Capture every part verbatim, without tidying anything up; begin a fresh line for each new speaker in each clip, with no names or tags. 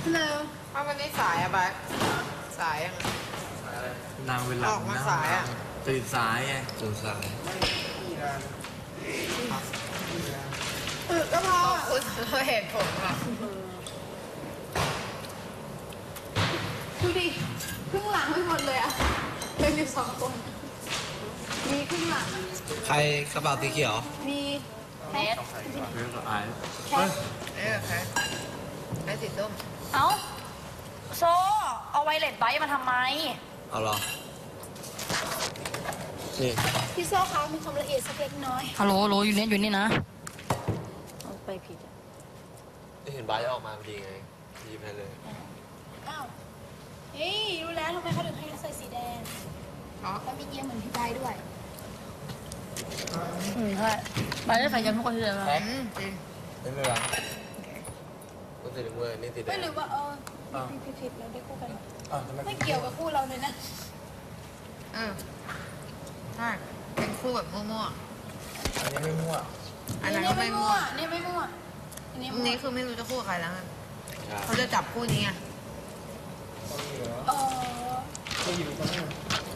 ฮัลโหลว่าวันนี้สายอะบัสสายยัง
นางเวลา
ออกมาสายอะ
ตื่นสายไง
ตื่นสาย
เออก็พอเราเห็นผมอะดูดิครึ่งหลังไม่หมดเลยอะเป็นอยู่สองคนมีครึ่งหลัง
ใครกระเป๋าสีเขียว
มีแคท
เรื่องไอ้
แคทเออแคทแคทสีส้ม
เอ้าโซ่เอาไวเลสไบมาทำไม
เอาหรอนี่
พี่โซ่เขามีความละเอียดสักเล็กน้อยฮัลโหลโหลอยู่นี่อยู่นี่นะเอาไปผิด
ไม่เห็นใบออกมาพอดีไงหยิบให้เลย
อ้าวเฮ้ยรู้แล้วทำไมเขาถึงให้ใส่สีแดงแล้วมีเยี่ยมเหมือนพี่ใบด้วยอืมใช่ใบได้ใส่ยังทุกคนเลยไหม
จริง
ไม่เป็นไรก็สีน้ำเงินนี่สีแดง
ไม่หรือว่าเออผิดผิดเราได้คู่กันไม่เกี่ยวกับคู่เราเลยนะ
เออใช่เป็นคู่แบบมั่วๆ
อันนี้ไม่มั่ว
อันนั้นก็ไม่มั่ว
นี่ไม่มั่ว
อันนี้คือไม่รู้จะคู่ใครแล้วเขาจะจับคู่นี้ไง
เออ
ก็อยู่ตรงนี้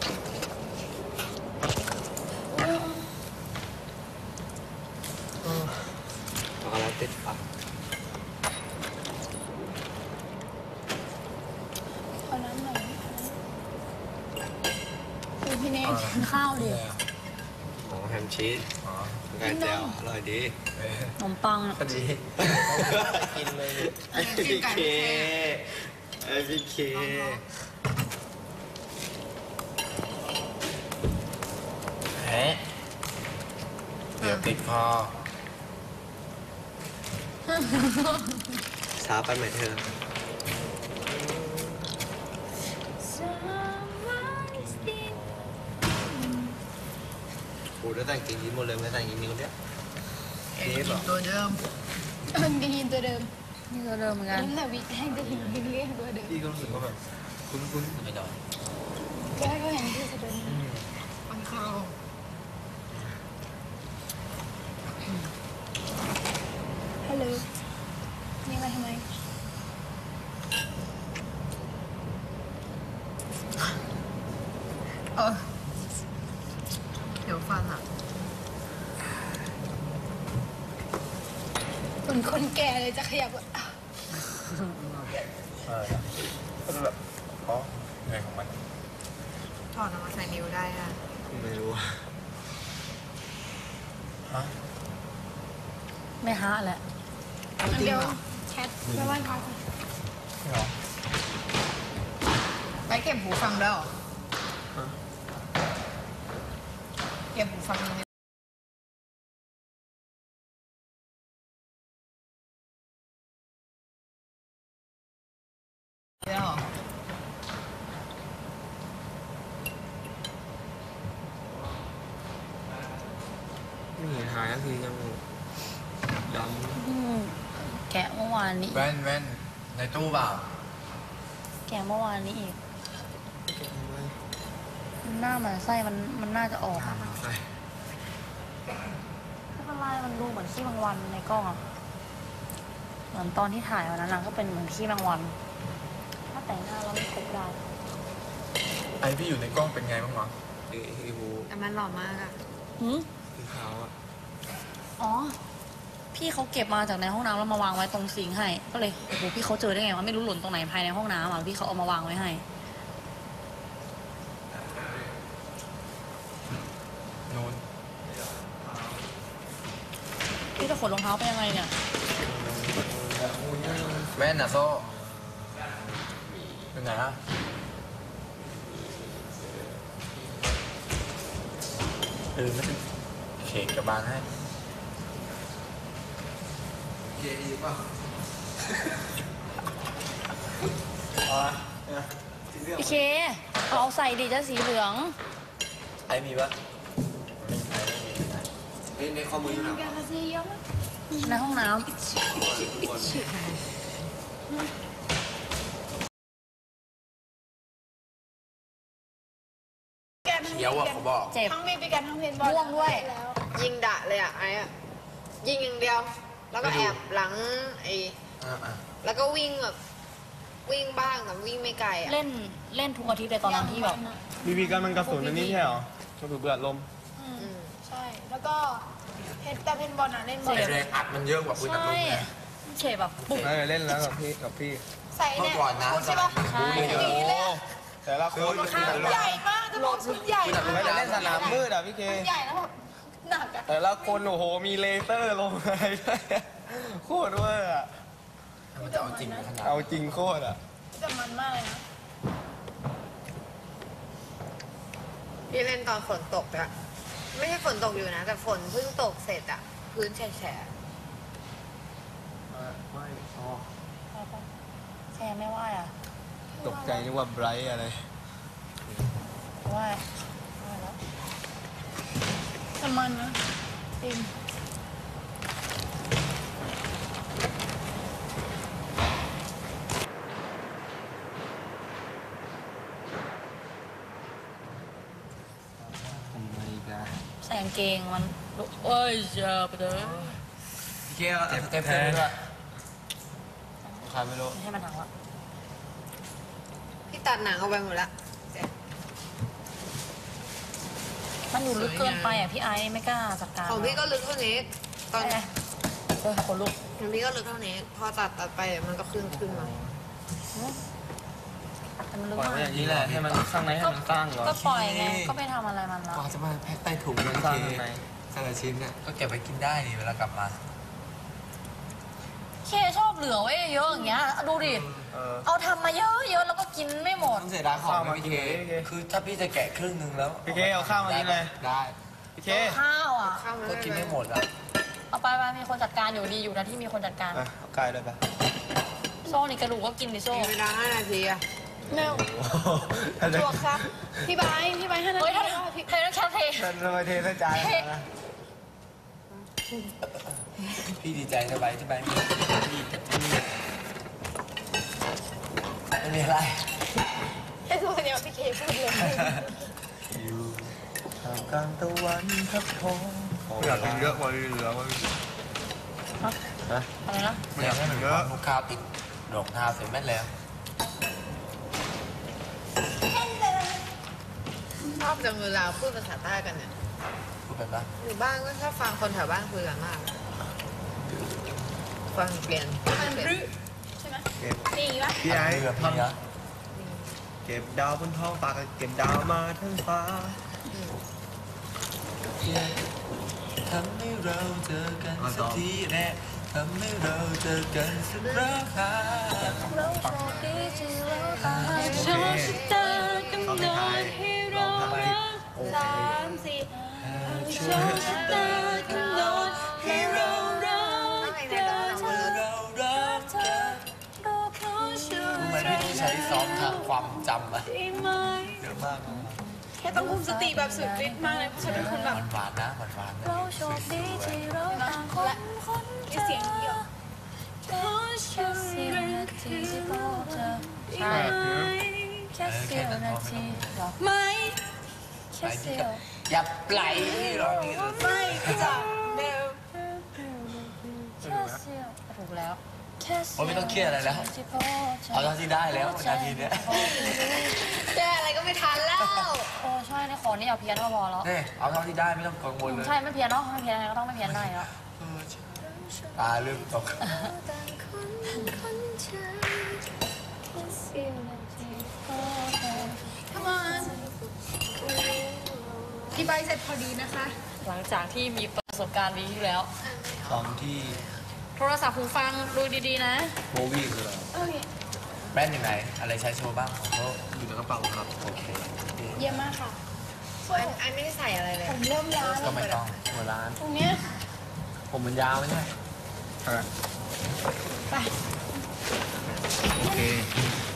ช็อกโกแลตติดปาก
เอาน้ำหน่อยคือพี่เนทกินข้าวดิ
อ๋อแฮมชีสอ๋อไก่แจ่วอร่อยดี
ขนมปัง
พอดีกินเลยไอพีเคไอพีเคเฮ้เดี๋ยวติดคอช้าไปไหมเธอโอ้ได้แต่งกินยิ้มหมดเลยไม่แต่งกินนิ้วเนี้ย
นี่หรอตัวเดิม
มันกินยินตัวเดิมนี่ตัวเดิมเหมือนกันน้ำหนักวิแห้งจะหินกินเลี้ยงตัวเดิม
พี่ก็รู้สึกว่าแบบคุ้นๆไม่ได้
แกก็เห็นที่ตัวเดิม
มันเข้า
ฮัลโหลนี่มาทำไม
เออเดี๋ยวฟันอ่ะ
คนคนแก่เลยจะขยับอ่ะ
เออก็แบบอ๋อไงของมัน
ถอดออกมาใส่นิ้วได้อ่ะ
ไม่รู้ฮะ
ไม่ฮะแหละเดี๋ยวแคทไปไหว้พระ
เหรอ
ไปเก็บหูฟังแล้วเหรอเก็บหูฟังนี่แล้วเหรอ
ไม่เห็นหายสักทียังด
ำแกะเมื่อวานนี้
แว่นแว่นในตู้เปล่า
แกะเมื่อวานนี้อีกหน้ามันไส้มันมันน่าจะออก
มันไส้
ไม่เป็นไรมันดูเหมือนขี้แมงวันในกล้องอะเหมือนตอนที่ถ่ายวันนั้นก็เป็นเหมือนขี้แมงวันถ้าแต่งหน้าแล้วไม่ครบได้
ไอพี่อยู่ในกล้องเป็นไงบ้างวะไอ้ไอ้บู
แต่มันหล่อมากอะ
หืม
สีขาวอะ
อ๋อพี่เขาเก็บมาจากในห้องน้ำแล้วมาวางไว้ตรงซิงค์ให้ก็เลยโอ้โหพี่เขาเจอได้ไงวะไม่รู้หล่นตรงไหนภายในห้องน้ำอ่ะพี่เขาเอามาวางไว้ให้
โน่น
พี่จะขนรองเท้าไปยังไงเนี่ย
แว่นอะโซ่เป็นไงฮะเออไม่เป็นเค้กกับบานให้เก๋ดีป่ะ
พี่เคเอาใส่ดิจะสีเหลือง
ไอมีปะในในข้อมืออยู่ไหน
ในห้องน้ำ
เดี๋ยวอ่ะเขาบอก
เจ็บ
ทั้งมีไปกันทั้งเพนบอล
ม่วงด้วย
ยิงดะเลยอ่ะไอ้อะยิงอย่างเดียวแล้วก็แอบหลังไอ้แล้วก็วิ่งแบบวิ่งบ้างแต่วิ่งไม่ไกลอ่ะ
เล่นเล่นทุกอาทิตย์เลยตอนนั้นที่แบบ
บีบีกันมันกระสุนอันนี้ใช่เหรอกระสุนเบือดลม
อืม
ใช่ แล้วก็เพชรแต่เพนบอลอ่ะเล่นบอล
แต่แรงอัดมันเยอะกว่าปืนอัดล
ใช่
มไง
เฉยแบบปุ๊บ
เออเล่นแล้วกับพี่กับพี่
ใส่
เมื่
เนี่
อย ก่อนนะ
ใช่ปะ
ใช่
อย่างนี้เลย
แต่ละคน
ข้างใหญ่มากจะบอกชุดใหญ่
ไม่
มาก
ได้เล่นสนามมืดอ่ะพี่เค
ใหญ่แล้วแบบหนักอ่ะ
แต่ละคนโอ้โหมีเลเซอร์ลงอะไรด้วยโคตรเวอร์อ่ะ
มันจะเอาจริงขนาด
เอาจริงโคตรอ่ะ
แต่มันมากเลยนะ
พี่เล่นตอนฝนตกอะไม่ใช่ฝนตกอยู่นะ แต่ฝนเพิ่งตกเสร็จอะพื้นแฉะ
ไม่อ๋อ
แชร์ไม่ว่าอ่ะ
ตกใจนึกว่าไบรท์อะไร
ว่าว่าแล้ว
แต่มันนะจริง
ทำไมกัน
ใส่กางเกงมันเอ้ยเจอไปเลย
พี่เคเอาสเต็ปเต็มด้วย
ใครไม่รู้
ไม่ให้มันหนังละ
ๆพี่ตัดหนังเอาไปหมดละ
มันอยู่ลึกเกินไปอ่ะพี่ไอซ์ไม่กล้าจัดการ
ของพี่ก็ลึกเท่านี้ ตอน
เอ้ยเออคนลุก
ของพี่ก็ลึกเท่านี้ พอตัดตัดไปมันก็ขึ้นขึ้นมา
แต่มันลึก
ปล่อย
มา
ไว้
ก
อย่างนี้แหละให้มันข้างในให้มันสร้างเหรอ
ก็ปล่อยไงก็ไปทำอะไรมันละ
กว่าจะมาแพ็คใต้ถุงนะ
สร้าง
เค
ข้างใน
แต่ละชิ้นเนี่ยก็เก็บไปกินได้นี่เวลากลับมา
เคชอบเหลือไว้เยอะอย่างเงี้ยดูดิ
เออ
เอาทำมาเยอะเยอะแล้วก็กินไม่หมด
ต้องเสียดายของ
ข้าว
นะ
มา
พี่
กิน
เค
เลยพี่เค
คือถ้าพี่จะแกะครึ่งหนึ่งแล้ว
พี่เคเอาข้าวมากินเลย
ได้
พี่เค
ข้าวอ่ะ
เข้ามา
ก็กินไม่หมดอ่ะ
เอาไปไปมีคนจัดการอยู่ดีอยู่นะที่มีคนจัดการ
อ่ะเอาไก่เลยปะ
โซ่นี่กระดูกก็กินดิโซ่
มีเวลาห้านาทีอะ
แนวจวกครับ พี่ไบร์ทพี่ไบร์ทให้นา
เฮ้ย
ที
ถ้า
แล้วพี่
เทต้องแคปเท
ท่านทำไมเทใส่จานนะ
พี่ดีใจสบายที่บ้านไม่มีอะไร
ไอ้ตัวเนี้ยพี่เคพูดเลย
อยู่ท่ามกลางตะวันทับทองอยากกินเยอะกว่าเหลือวะ
ฮะอะไรนะ
ไม่อยากให้มันความลูกค้าติดรองเท้าเสร็จแม่แล้ว
ชอบจังเวลาพูดภาษาใต้กันเนี่ย
พูดไปปะ
อยู่บ้านก็ชอบฟังคนแถวบ้านคุยกันมาก ฟังเปลี่ยน
มันรึใช่ไหมนี่ปะ
พี่ไอ้
เรือ
ท
พี่นะ
ำเก็บดาวบนท้องฟ้าเก็บดาวมาทั้งฟ้า
ทำให้เราเจอกันสักทีแน่ทำให้เราเจอกันสักครั้ง
เราโชคดีที่เราตาย
โชคชะตากำหนดให้เรารัก
สามสี่
โชคชะตากำหนดให้เรารัก
ไม่ได้ร้องนะ
เรารักกัน
เราขอช่วย
รู้ไหมพี่ต้องใช้ซ้อมทางความจำอะ
ได้ไหม
เยอะมาก
แค่ต้องคุมสติแบบสุดฤทธิ์มากเลยเพราะฉันเป็นคนแบบ
หวานๆนะหวานๆนะ
เราโชคดีที่เราต่างคนคนเจอ
เสียงเดียว
แค่เสี้ยวนาทีที่พบเจอใช่แค่เสี้ยวนาทีหรอ
ไม่
แค่เสี้ยว
อย่าปล่อยที่ร้องนี้เลย
ไม่จากเดิม
แค่เสี้ยวถูกแล้วแค่เสี้ยว
โอ้ยไม่ต้องเครียดอะไรแล้ว
ที่พบเจอ
เอาเท่าที่ได้แล้วนาทีเนี้ย
แก้อะไรก็ไม่ทันแล้ว
โอ้ใช่ในขอนี่เอาเพี้ยนก็พอแล้ว
นี่เอาเท่าที่ได้ไม่ต้องกังวลเลย
ใช่ไม่เพี้ยนเนาะไม่เพี้ยนยังไงก็ต้องไม่เพี้ยนได้แล้ว
ตาเริ่มตก
ทำไมพี่ใบเสร็จพอดีนะคะ
หลังจากที่มีประสบการณ์ดีที่แล้ว
ตอนที่
โทรศัพท์หูฟังดูดีๆนะ
โมวี่คืออะไร
โอเค
แบรนด์อยู่ไหน อะไรใช้โชว์บ้างของเขา
อยู่ในกระเป๋าครับ
โอเค
เยี่ยมมากค่ะ
อันอันไม่ได้ใส่อะไรเลย
ผมเริ่มล้า
ก็
แล้ว
ไม่ต้อง
หัวร้าน
ตรงเนี้ย
ผมมันยาวไหมเนี่ย
ไป
โอเค